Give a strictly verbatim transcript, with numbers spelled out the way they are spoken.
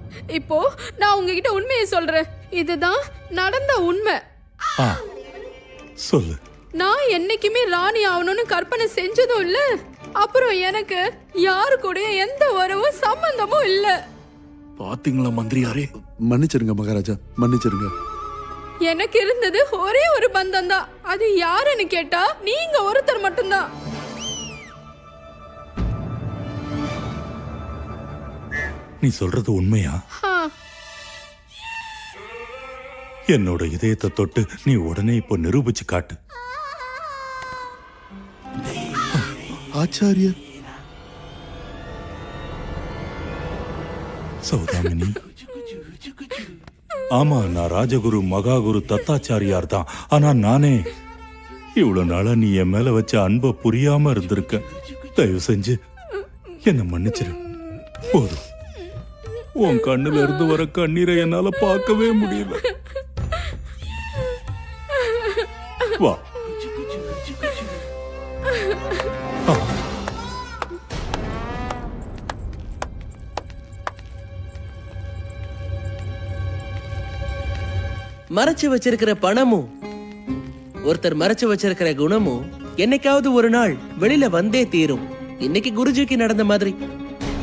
இப்போ நான் உங்ககிட்ட உண்மையை சொல்றேன். இதுதான் நடந்த உண்மை. ஆ, சொல்லு. நான் என்னைக்குமே ராணி ஆகணும்னு கற்பனை செஞ்சதும் இல்ல, அப்புறம் எனக்கு யாரு கூட எந்த உறவும் சம்பந்தமும் இல்ல. பாத்தீங்களா மந்திரியாரே? மன்னிச்சிருங்க மகாராஜா, மன்னிச்சிருங்க. எனக்கு இருந்தது ஒரே ஒரு பந்தம் தான். அது யாருன்னு கேட்டா நீங்க ஒருத்தர் மட்டும்தான். நீ சொல்றது உண்மையா? ஆ, என்னோட இதயத்தை தொட்டு நீ உடனே இப்போ நிரூபிச்சு காட்டு. ஆச்சாரியர் சௌதாமினி, ஆமா, நான் ராஜகுரு மகாகுரு தத்தாச்சாரியார் தான். ஆனா நானே இவ்வளவு நாளா நீ என் மேல வச்ச அன்பை புரியாம இருந்திருக்க. தயவு செஞ்சு என்ன மன்னிச்சிரு. போதும், உன் கண்ணுல இருந்து வர கண்ணீரை என்னால பார்க்கவே முடியல. வா. ஆ. மறைச்சு வச்சிருக்கிற பணமும் ஒருத்தர் மறைச்சு வச்சிருக்கிற குணமும் என்னைக்காவது ஒரு நாள் வெளியில வந்தே தீரும். இன்னைக்கு குருஜிக்கு நடந்த மாதிரி